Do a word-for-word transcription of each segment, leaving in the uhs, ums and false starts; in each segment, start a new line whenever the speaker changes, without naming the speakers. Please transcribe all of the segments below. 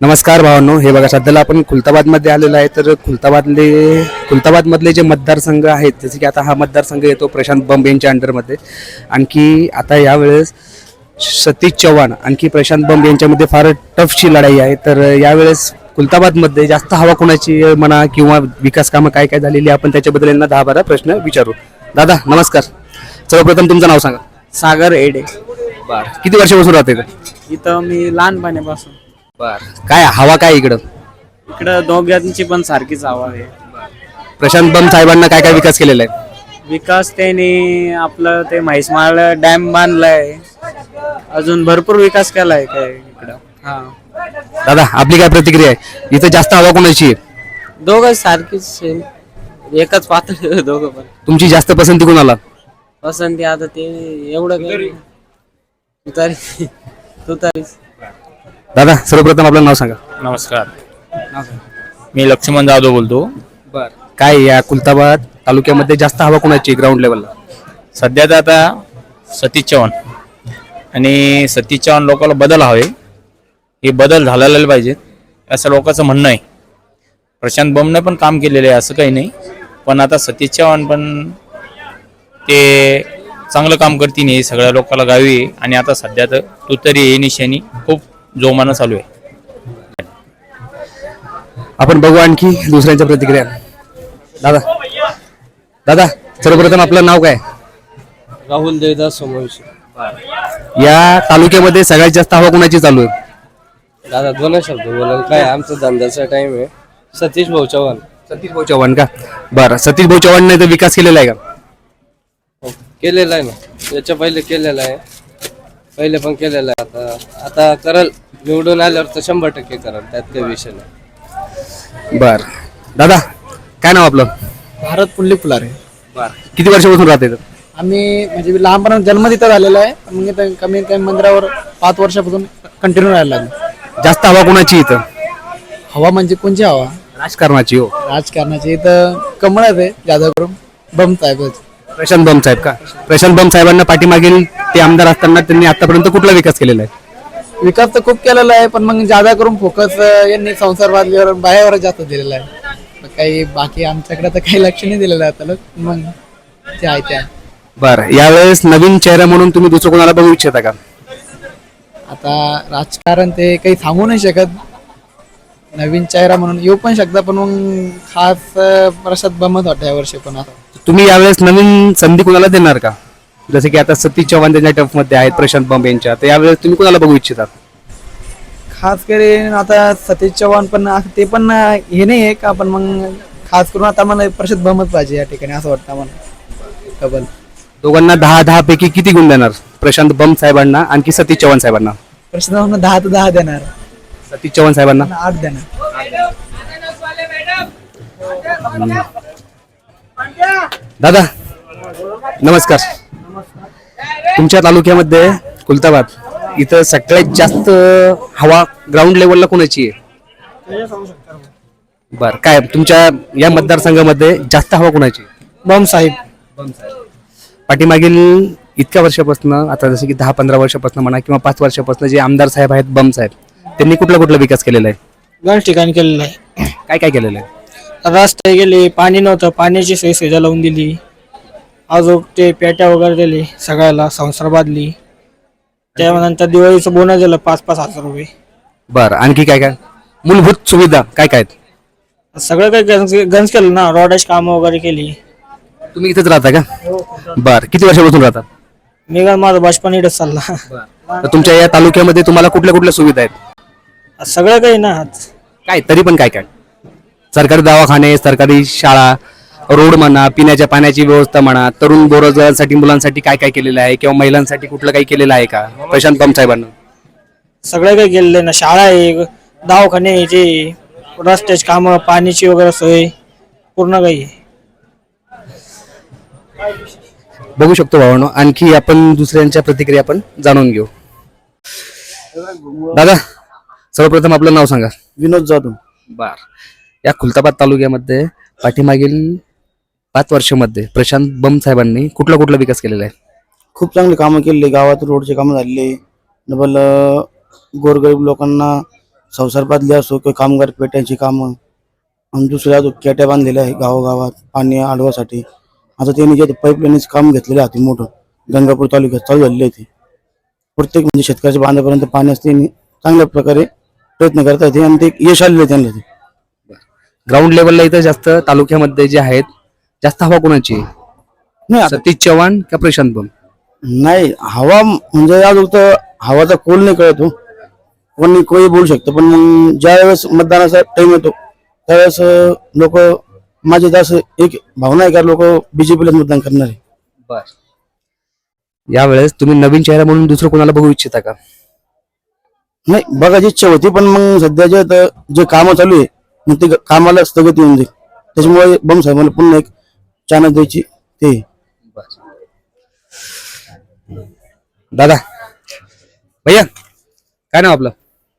नमस्कार भावांनो, हे बघा सध्याला आपण खुलताबादमध्ये आलेलो आहे. तर खुलताबादले खुलताबादमधले जे मतदारसंघ आहेत, जसे की आता हा मतदारसंघ येतो प्रशांत बंब यांच्या अंडरमध्ये. आणखी आता यावेळेस सतीश चव्हाण आणखी प्रशांत बंब यांच्यामध्ये फार टफची लढाई आहे. तर यावेळेस खुलताबादमध्ये जास्त हवा कोणाची म्हणा किंवा विकास कामं काय काय झालेली आपण त्याच्याबद्दल यांना दहा बारा प्रश्न विचारू. दादा नमस्कार. सर्वप्रथम तुमचं नाव सांगा.
सागर एडे.
बर, किती वर्षापासून राहते
इथं मी लहानपणापासून.
बर, काय हवा काय इकडं?
इकडं दोघांची पण सारखीच हवा आहे.
प्रशांत बंब साहेबांना काय काय विकास केलेला आहे?
विकास त्यांनी आपलं ते म्हैसमाळ डॅम बांधलाय, अजून भरपूर विकास केलाय काय इकडं. हा
दादा आपली काय प्रतिक्रिया आहे? इथं जास्त हवा कोणाची आहे?
दोघं सारखीच आहे. एकच पातळी दोघं पण.
तुमची जास्त पसंती कोणाला?
पसंती आता ते एवढं काही तू तरी तू तरीच.
दादा सर्वप्रथम आपलं नाव सांगा.
नमस्कार, मी लक्ष्मण जाधव बोलतो.
बर, काय या खुलताबाद तालुक्यामध्ये जास्त हवा कोणाची ग्राउंड लेवलला?
सध्या तर आता सतीश चव्हाण आणि सतीश चव्हाण लोकांना बदल हवे, हे बदल झालेले पाहिजेत असं लोकांचं म्हणणं आहे. प्रशांत बमने पण काम केलेलं आहे असं काही नाही, पण आता सतीश चव्हाण पण ते चांगलं काम करतील हे सगळ्या लोकांना गावी आहे. आणि आता सध्या तर तुतारी हे निशाणी खूप जोमानं चालू आहे.
आपण बघू आणखी दुसऱ्यांच्या प्रतिक्रिया. दादा दादा सर्वप्रथम आपलं नाव काय?
राहुल देवदास सोमवंशी.
या तालुक्यामध्ये सगळ्यात जास्त हवा कोणाची चालू आहे?
दादा दोन शब्द बोला. काय आमचा धंद्याचा टाइम आहे. सतीश भाऊ चव्हाण.
सतीश भाऊ चव्हाण का? बरं, सतीश भाऊ चव्हाणने तर विकास केलेला आहे का?
केलेला आहे ना, याच्या पहिले केलेला आहे, पहिले पण केलेला आहे. आता आता करल, निवडून आल्यावर तर शंभर टक्के करल, त्यात काही विषय नाही.
बर, दादा काय नाव आपलं?
भारत पुल्ली फुलारे.
बर, किती वर्षापासून राहते?
आम्ही म्हणजे लहानपणा जन्म तिथं झालेला आहे, पण मग इथं कमी कमी मंदिरावर पाच वर्षापासून कंटिन्यू राहायला लागलो.
जास्त हवा कोणाची इथं?
हवा म्हणजे कोणची हवा?
राजकारणाची. हो,
राजकारणाची इथं कमळच आहे, जादा करून बम साहेबच.
प्रशांत बंब साहेब का? प्रशांत बंब साहेबांना पाठीमागील ते आमदार असताना त्यांनी आतापर्यंत कुठला विकास केलेला आहे?
विकास तर खूप केलेला आहे, पण मग जादा करून फोकस यांनी संसारवादीवर बायावर जास्त दिलेला आहे. काही बाकी आमच्याकडे तर काही लक्ष नाही दिलेलं आहे त्याला, मग ते आहे त्या.
बरं, यावेळेस नवीन चेहरा म्हणून तुम्ही दुसरं कोणाला बघू इच्छिता का?
आता राजकारण ते काही सांगू नाही शकत. नवीन चेहरा म्हणून येऊ पण शकता, पण मग खास प्रसाद बमत वाटतं या वर्षी. पण आता
तुम्ही यावेळेस नवीन संधी कोणाला देणार का? जसे की आता सतीश चव्हाण त्यांच्या टफ मध्ये आहेत, प्रशांत बंब यांच्या, तर यावेळेस तुम्ही कोणाला बघू इच्छितात?
खास करून आता सतीश चव्हाण पण ते पण हे नाही आहे का, पण मग खास करून आता मला प्रसाद बमत पाहिजे या ठिकाणी असं वाटतं मला. डबल
दोघांना दहा दहा पैकी किती गुण देणार? प्रशांत बंब साहेबांना आणखी सतीश चव्हाण साहेबांना?
प्रसाद बमत दहा तर दहा देणार,
सतीश चव्हाण साहेबांना
आठ देणार.
दादा नमस्कार. तुमच्या तालुक्यामध्ये खुलताबाद इथं सगळ्यात जास्त हवा ग्राउंड लेवलला कोणाची आहे? बर, काय तुमच्या या मतदारसंघामध्ये जास्त हवा कोणाची?
बम साहेब.
पाठीमागील इतक्या वर्षापासून, आता जसं की दहा पंधरा वर्षापासून म्हणा किंवा पाच वर्षापासून जे आमदार साहेब आहेत बम साहेब, त्यांनी कुठला कुठला विकास केलेला आहे?
गण ठिकाणी केलेलं आहे.
काय काय केलेलं आहे?
रस्ते गेले, पाणी नव्हतं, पाण्याची सोय सुविधा लावून दिली, अजून ते पेट्या वगैरे दिली, सगळ्याला संसार बांधली. त्यानंतर दिवाळीचं बोनस दिलं पाच पाच हजार रुपये.
बरं, आणखी काय काय मूलभूत सुविधा काय काय आहेत?
सगळं काही गंज गंज केलं ना, रोडाची कामं वगैरे केली.
तुम्ही इथेच राहता का? बर, किती वर्षापासून राहता?
मी का माझं बचपन इथंच चालला.
तर तुमच्या या तालुक्यामध्ये तुम्हाला कुठल्या कुठल्या सुविधा आहेत?
सगळं काही ना,
काय तरी पण काय काय? सरकारी दवाखाने, सरकारी शाळा, रोड म्हणा, पिण्याच्या पाण्याची व्यवस्था म्हणा, तरुण बेरोजगारांसाठी मुलांसाठी काय काय केलेलं आहे किंवा महिलांसाठी कुठलं काही केलेलं आहे का प्रशांत बंब साहेबांना?
सगळं काही केलेलं आहे ना. शाळा आहे, दवाखाने, जे रस्त्याची कामं, पाण्याची वगैरे सोय, पूर्ण काही आहे.
बघू शकतो भावांनो. आणखी आपण दुसऱ्यांच्या प्रतिक्रिया आपण जाणून घेऊ. दादा सर्वप्रथम आपलं नाव सांगा.
विनोद जाधव.
बर, या खुलताबाद तालुक्यामध्ये पाठीमागील पाच वर्षामध्ये प्रशांत बंब साहेबांनी कुठला कुठला विकास केलेला आहे?
खूप चांगले कामं केले. गावात रोडचे कामं झालेले, डबल गोरगरीब लोकांना संसार बांधले असो किंवा कामगार पेट्यांची कामं आणि दुसऱ्या अजून केट्या बांधलेल्या आहे गावोगावात पाणी अडवासाठी. आता त्यांनी जे पाईपलाईनचं काम घेतलेलं आहे ते मोठं गंगापूर तालुक्यात चालू झालेलं आहे ते प्रत्येक म्हणजे शेतकऱ्याच्या बांधापर्यंत पाण्यास त्यांनी चांगल्या प्रकारे प्रयत्न करता येते आणि ते यश आलेलं आहे त्यांना. ते
ग्राउंड लेवलला इथं जास्त तालुक्यामध्ये जे आहेत जास्त हवा कोणाची आहे?
नाही आता
सतीश चव्हाण का प्रशांत बम?
नाही हवा म्हणजे अजून तर हवाचा कोल नाही कळतो कोणी कोणी बोलू शकतो पण मग ज्या वेळेस मतदानाचा टाइम येतो त्यावेळेस लोक माझे जास्त एक भावना आहे का लोक बीजेपीलाच मतदान करणार आहे.
बर, यावेळेस तुम्ही नवीन चेहरा म्हणून दुसरं कोणाला बघू इच्छिता का?
नाही बघायची इच्छा होती पण मग सध्या जे आता जे कामं चालू आहे मग ते कामाला स्थगिती होऊन जाईल त्याच्यामुळे बम साहेबांना पुन्हा एक चानस द्यायची ते.
दादा भैया काय नाव आपलं?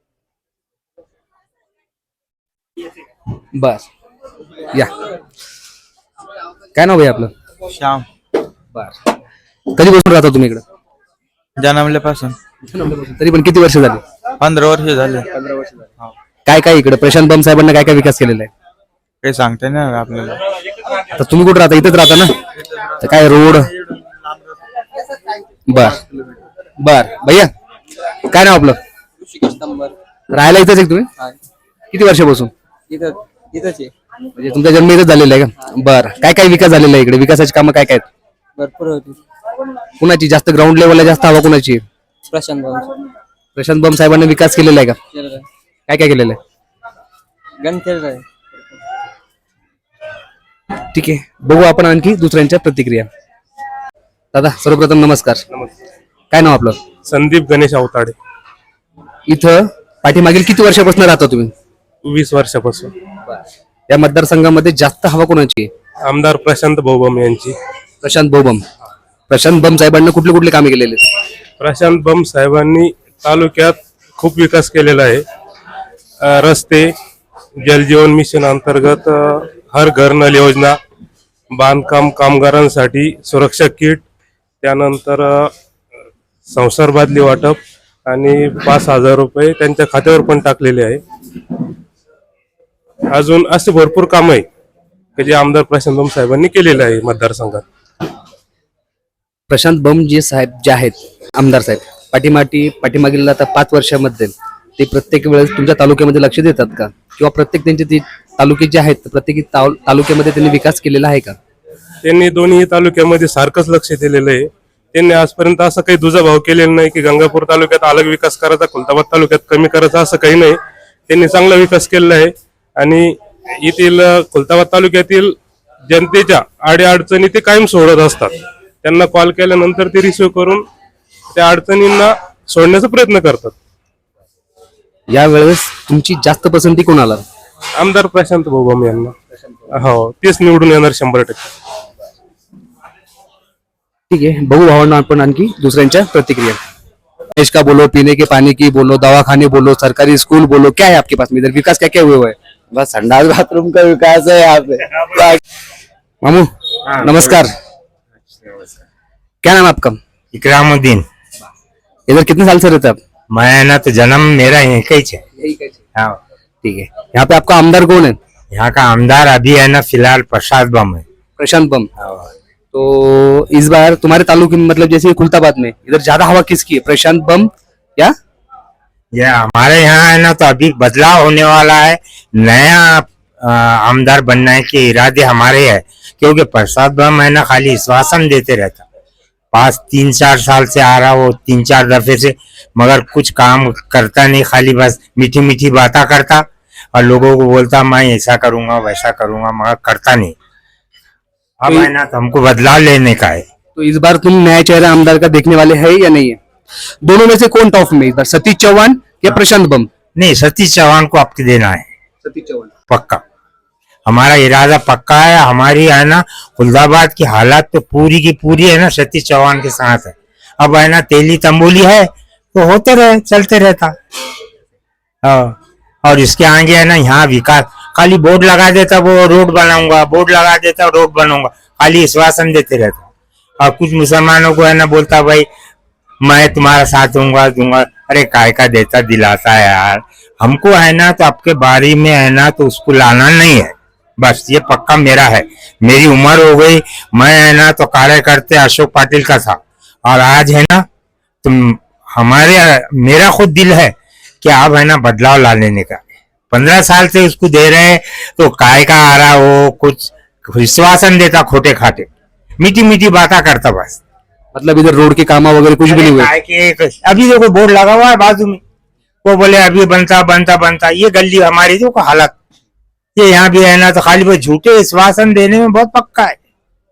बस या, काय नाव भैया आपलं?
श्याम.
बर, कधी बसून राहता तुम्ही इकडं?
जन्मल्यापासून
तरी पण किती वर्ष झाली?
पंधरा वर्ष झाले.
काय काय इकडे प्रशांत बम साहेबांना काय काय विकास केलेला आहे?
काही सांगता नाही आलं आपल्याला.
आता तुम्ही कुठे राहता? इथेच राहता ना? तर काय रोड? बर बर, भैया काय नाव आपलं? राहायला इथंच आहे तुम्ही? किती वर्षापासून? म्हणजे तुमचा जन्म इथंच झालेला आहे का? बर, काय काय विकास झालेला आहे इकडे? विकासाची कामं काय काय आहेत?
भरपूर होती.
कुणाची जास्त ग्राउंड लेवलला जास्त हवा कुणाची आहे?
प्रशांत भाऊ
प्रशांत बम साहेबांनी विकास केलेला आहे का?
केलेलं आहे.
काय काय केलेलं आहे?
गण केलेलं आहे.
ठीक आहे, बघू आपण आणखी दुसऱ्यांच्या प्रतिक्रिया. दादा सर्वप्रथम नमस्कार. काय नाव आपलं?
संदीप गणेश अवताडे.
इथं पाठीमागील किती वर्षापासून राहता तुम्ही?
वीस वर्षापासून.
या मतदारसंघामध्ये जास्त हवा कोणाची आहे?
आमदार प्रशांत भाऊबम यांची.
प्रशांत बम. प्रशांत बम साहेबांना कुठले कुठले कामे केलेले आहेत?
प्रशांत बम साहेबांनी तालुक्यात खूप विकास केलेला आहे. अ, रस्ते, जलजीवन मिशन अंतर्गत अ, हर घर नल योजना, बांधकाम कामगारांसाठी सुरक्षा किट, त्यानंतर अ, संसार बादली वाटप आणि पाच हजार रुपये त्यांच्या खात्यावर पण टाकलेले आहे. अजून असे भरपूर काम आहे की जे आमदार प्रशांत बम साहेबांनी केलेले आहे मतदारसंघात.
प्रशांत बम जे साहेब जे आहेत आमदार साहेब पाठीमाटी पाठीमागील आता पाच वर्षामध्ये ते प्रत्येक वेळेस तुमच्या तालुक्यामध्ये लक्ष देतात का? किंवा प्रत्येक त्यांचे ते तालुके जे आहेत प्रत्येक ताल- तालुक्यामध्ये त्यांनी विकास केलेला आहे का?
त्यांनी दोन्ही तालुक्यामध्ये सारखंच लक्ष दिलेलं आहे. त्यांनी आजपर्यंत असं काही दुजाभाव केलेला नाही की गंगापूर तालुक्यात अलग विकास करायचा, खुलताबाद तालुक्यात कमी करायचा, असं काही नाही. त्यांनी चांगला विकास केलेला आहे आणि येथील खुलताबाद तालुक्यातील जनतेच्या अडीअडचणी ते कायम सोडत असतात. त्यांना कॉल केल्यानंतर ते रिसिव्ह करून त्या अडचणींना सोडण्याचा प्रयत्न करतात.
यावेळेस तुमची जास्त पसंती कोणाला?
आमदार प्रशांत भाऊबम यांना. हो, तेच निवडून येणार शंभर टक्के.
ठीक है, बहू भावना अपन आणखी दुसऱ्यांच्या प्रतिक्रिया. देश का बोलो, पीने के पानी की बोलो, दवाखाने बोलो, सरकारी स्कूल बोलो, क्या है आपके पास में इधर विकास क्या क्या हुआ हुआ है?
बस संडास बाथरूम का विकास है यहाँ पे.
मामू नमस्कार, क्या नाम है आपका?
इकरामुद्दीन.
इधर कितने साल से रहते हैं आप?
मैं ना तो जन्म मेरा यहीं का ही है. हाँ,
ठीक है, यहाँ पे आपका आमदार कौन है?
यहाँ का आमदार अभी है ना फिलहाल प्रसाद बम है.
प्रशांत बम. तो इस बार तुम्हारे तालुके में मतलब जैसे खुलताबाद में इधर ज्यादा हवा किसकी है, प्रशांत बम या?
ये हमारे यहाँ है ना तो अभी बदलाव होने वाला है. नया आ, आमदार बनने के इरादे हमारे है क्योंकि प्रसाद बम है ना खाली आश्वासन देते रहता. पास तीन चार साल से आ रहा वो तीन चार दफे से, मगर कुछ काम करता नहीं, खाली बस मीठी मीठी बातें करता और लोगों को बोलता मैं ऐसा करूंगा वैसा करूंगा, मगर करता नहीं. अब है ना तो हमको बदलाव लेने का है.
तो इस बार तुम नया चेहरा आमदार का देखने वाले है या नहीं है? दोनों में से कौन टॉप में इस बार, सतीश चौहान या प्रशांत बम?
नहीं, सतीश चौहान को आपके देना है.
सतीश चौहान
पक्का, हमारा इरादा पक्का है. हमारी है ना खुलदाबाद की हालात तो पूरी की पूरी है ना सतीश चौहान के साथ है. अब है ना तेली तंबोली है तो होते रहे, चलते रहता. हाँ, और इसके आगे है ना यहाँ विकास खाली बोर्ड लगा देता, वो रोड बनाऊंगा, बोर्ड लगा देता, रोड बनाऊंगा, खाली आश्वासन देते रहता. और कुछ मुसलमानों को है ना बोलता भाई मैं तुम्हारा साथ दूंगा दूंगा. अरे काय का देता दिलाता है यार. हमको है ना तो आपके बारी में है ना तो उसको लाना नहीं है, बस ये पक्का मेरा है। मेरी उम्र हो गई, मैं है ना तो कार्यकर्ता अशोक पाटिल का था, और आज है ना तुम हमारे मेरा खुद दिल है कि आप है ना बदलाव ला लेने का। पंद्रह साल से उसको दे रहे हैं तो काय का आ रहा हो, कुछ विश्वासन देता खोटे खाटे, मीठी मीठी बातें करता बस।
मतलब इधर रोड के काम वगैरह कुछ भी नहीं हुए?
काय के अभी देखो बोर्ड लगा हुआ है बाजू में, वो बोले अभी बनता बनता बनता। ये गली हमारी देखो हालत, ये यहाँ भी है ना तो खाली वो झूठे विश्वासन देने में बहुत पक्का है।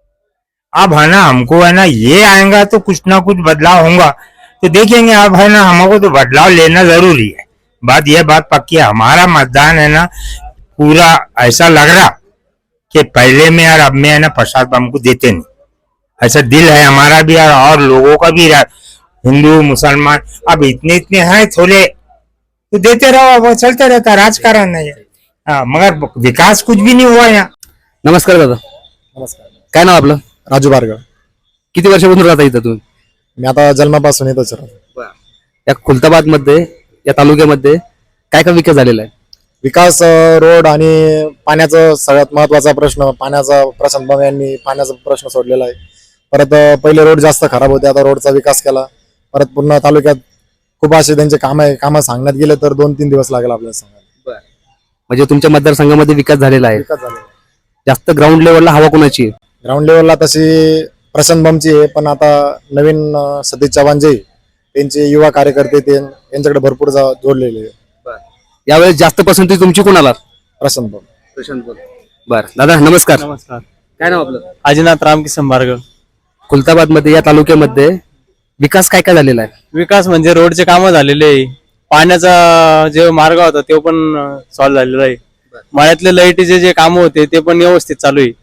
अब है ना हमको है ना ये आएगा तो कुछ ना कुछ बदलाव होगा, तो देखेंगे। अब है ना हमको तो बदलाव लेना जरूरी है, बात यह बात पक्की है। हमारा मतदान है ना पूरा ऐसा लग रहा कि पहले में और अब में है ना प्रसाद बम को देते नहीं, ऐसा दिल है हमारा भी और, और लोगों का भी, हिंदू मुसलमान अब इतने इतने हैं थोड़े, तो देते रहो, वो चलते रहता, राजकारण नहीं है। हाँ, मगर विकास कुछ भी नहीं हुआ यहाँ।
नमस्कार दादा.
नमस्कार.
काय नाव आपलं?
राजू बारगळ.
किती वर्षापासून राहता इथं तुम्ही?
मी आता जन्मापासून येतच राहतो.
या खुलताबाद मध्ये, या तालुक्यामध्ये काय काय विकास झालेला आहे?
विकास, रोड आणि पाण्याचा सगळ्यात महत्वाचा प्रश्न, पाण्याचा प्रशांत बम यांनी पाण्याचा प्रश्न सोडलेला आहे. परत पहिले रोड जास्त खराब होते, आता रोडचा विकास केला. परत पूर्ण तालुक्यात खूप असे त्यांचे काम आहे, कामं सांगण्यात गेले तर दोन तीन दिवस लागेल आपल्याला सांगायला.
म्हणजे तुमच्या मतदारसंघामध्ये विकास झालेला आहे.
विकास झाला.
जास्त ग्राउंड लेवलला हवा कोणाची आहे?
ग्राउंड लेवलला तशी प्रशांत बमची आहे, पण आता नवीन अं, सतीश चव्हाण जे त्यांचे युवा कार्यकर्ते ते यांच्याकडे भरपूर जा- जोडलेले आहे.
यावेळेस जास्त पसंती तुमची कोणाला?
प्रशांत बम.
प्रशांत बम. बर दादा नमस्कार.
नमस्कार.
काय नाव आपलं?
आजीनाथ रामकिसन बारगळ.
खुलताबाद मध्ये, या तालुक्यामध्ये विकास काय काय झालेला आहे?
विकास म्हणजे रोडचे कामं झालेले आहे, पाण्याचा जे मार्ग होता तो पण सॉल्व्ह झालेला आहे, मळ्यातले लाईटीचे जे कामं होते ते पण व्यवस्थित चालू आहे.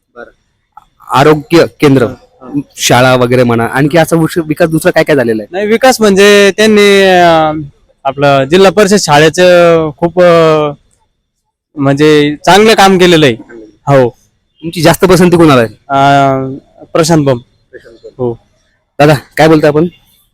आरोग्य केंद्र, शाळा वगैरे म्हणा, आणखी असा विश- विकास दुसरा काय काय झालेला आहे?
नाही, विकास म्हणजे त्यांनी अं, आपलं जिल्हा परिषद शाळेचं खूप अं, म्हणजे चांगलं काम केलेलं आहे. हो.
तुमची जास्त पसंती कोणाला आहे?
अं, प्रशांत बम. हो.
दादा काय बोलता आपण?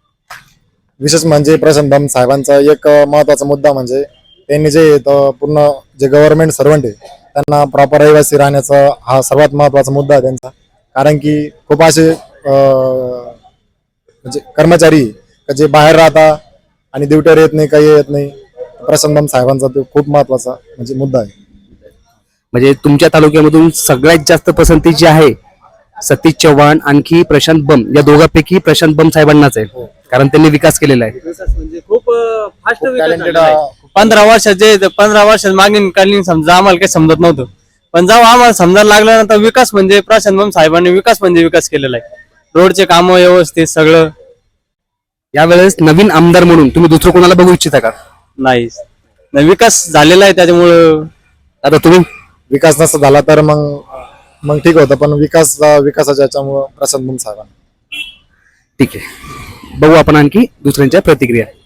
विशेष म्हणजे प्रशांत बम साहेबांचा एक महत्वाचा मुद्दा म्हणजे त्यांनी जे तो पूर्ण जे गव्हर्नमेंट सर्वंट आहे त्यांना प्रॉपर रहिवासी राहण्याचा हा सर्वात महत्वाचा मुद्दा आहे त्यांचा. कारण की खूप असे अं, म्हणजे कर्मचारी का जे बाहेर राहता आणि ड्युटीवर येत नाही, काही येत नाही. प्रशांत बम साहेबांचा तो खूप महत्वाचा म्हणजे मुद्दा आहे.
म्हणजे तुमच्या तालुक्यामधून सगळ्यात जास्त पसंती जी आहे सतीश चव्हाण आणखी प्रशांत बम, या दोघांपैकी प्रशांत बम साहेबांनाच आहे, कारण त्यांनी विकास केलेला आहे.
म्हणजे खूप फास्ट
टॅलेंटेड
पंधरा वर्षाचे पंधरा वर्षात मागील कालीन समजा आम्हाला काही समजत नव्हतं, पण जेव्हा आम्हाला समजायला लागलं ना तर विकास म्हणजे प्रशांत बम साहेबांनी विकास म्हणजे विकास केलेला आहे. रोडचे कामं व्यवस्थित सगळं.
यावेळेस नवीन आमदार म्हणून तुम्ही दुसरं कोणाला बघू इच्छिता का?
नाही, नाही, विकास झालेला आहे त्याच्यामुळं.
आता तुम्ही
विकास नसता झाला तर मग मग ठीक होतं, पण विकास विकासाच्या याच्यामुळं प्रशांत बम साहेबांना.
ठीक आहे, बघू आपण आणखी दुसऱ्यांच्या प्रतिक्रिया.